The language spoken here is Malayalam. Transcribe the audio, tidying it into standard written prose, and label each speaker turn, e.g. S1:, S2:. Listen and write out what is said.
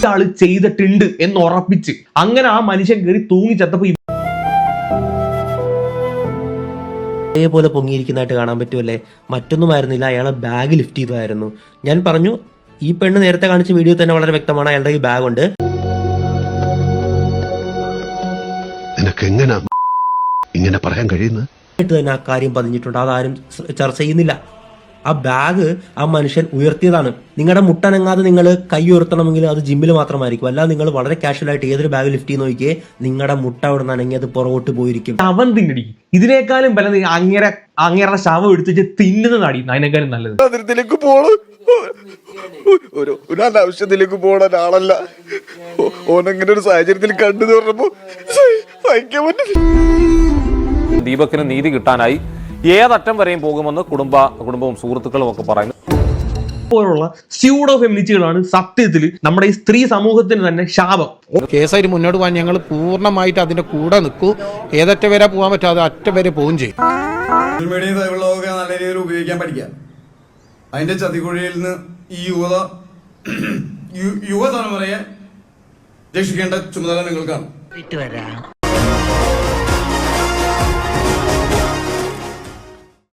S1: ആള് ചെയ്തിട്ടുണ്ട് എന്ന് ഉറപ്പിച്ച് അങ്ങനെ ആ മനുഷ്യൻ കയറി തൂങ്ങിച്ചത്തപ്പോ
S2: അതേപോലെ പൊങ്ങിയിരിക്കുന്നതായിട്ട് കാണാൻ പറ്റുമല്ലേ. മറ്റൊന്നുമായിരുന്നില്ല, അയാളെ ബാഗ് ലിഫ്റ്റ് ചെയ്തതായിരുന്നു. ഞാൻ പറഞ്ഞു, ഈ പെണ്ണ് നേരത്തെ കാണിച്ച വീഡിയോ തന്നെ വളരെ വ്യക്തമാണ്, അയാളുടെ ഈ ബാഗ് ഉണ്ട്.
S3: ഇങ്ങനെ പറയാൻ കഴിയുന്നത്
S2: തന്നെ ആ കാര്യം പതിഞ്ഞിട്ടുണ്ട്, അതാരും ചർച്ച ചെയ്യുന്നില്ല. ആ ബാഗ് ആ മനുഷ്യൻ ഉയർത്തിയതാണ്. നിങ്ങളുടെ മുട്ടനങ്ങാതെ നിങ്ങൾ കൈ ഉയർത്തണമെങ്കിൽ അത് ജിമ്മിൽ മാത്രമായിരിക്കും, അല്ലാതെ നിങ്ങൾ വളരെ കാഷ്വൽ ആയിട്ട് ഏതൊരു ബാഗ് ലിഫ്റ്റ് ചെയ്ത് നോക്കിയേ നിങ്ങളുടെ മുട്ട അവിടെ നിന്ന് അനങ്ങി അത് പുറകോട്ട് പോയിരിക്കും.
S1: അവൻ തിന്നടി, ഇതിനേക്കാളും ബലം അങ്ങേറെ ശവം എടുത്തിട്ട് തിന്നുന്നതാടി അതിനേക്കാളും നല്ലത്.
S4: അതിരത്തിലേക്ക് പോണം, ഒരു അനാവശ്യത്തിലേക്ക് പോണ ഒരാളല്ല. ഓനങ്ങനെ ഒരു സാഹചര്യത്തിൽ കണ്ടു പറഞ്ഞപ്പോ സഹിക്കാൻ പറ്റില്ല.
S5: ദീപകിന് നീതി കിട്ടാനായി ഏതറ്റം വരെയും പോകുമെന്ന് കുടുംബവും സുഹൃത്തുക്കളും ഒക്കെ പറയുന്നു.
S1: പോലുള്ള സ്യൂഡോ ഫെമിനിസ്റ്റുകളാണ് സത്യത്തിൽ നമ്മുടെ ഈ സ്ത്രീ സമൂഹത്തിന് തന്നെ ശാപം.
S6: കേസായിട്ട് മുന്നോട്ട് പോകാൻ ഞങ്ങൾ പൂർണ്ണമായിട്ട് അതിന്റെ കൂടെ നിൽക്കൂ. ഏതറ്റം വരെ പോകാൻ പറ്റാതെ അറ്റം വരെ പോവുകയും ചെയ്യും.
S4: സോഷ്യൽ മീഡിയയും സൈബറിലൊക്കെ നല്ല രീതിയിൽ ഉപയോഗിക്കാൻ പഠിക്കാം. അതിന്റെ ചതിക്കുഴിയിൽ നിന്ന് ഈ യുവതലമുറയെ രക്ഷിക്കേണ്ട ചുമതല നിങ്ങൾക്കാണ്.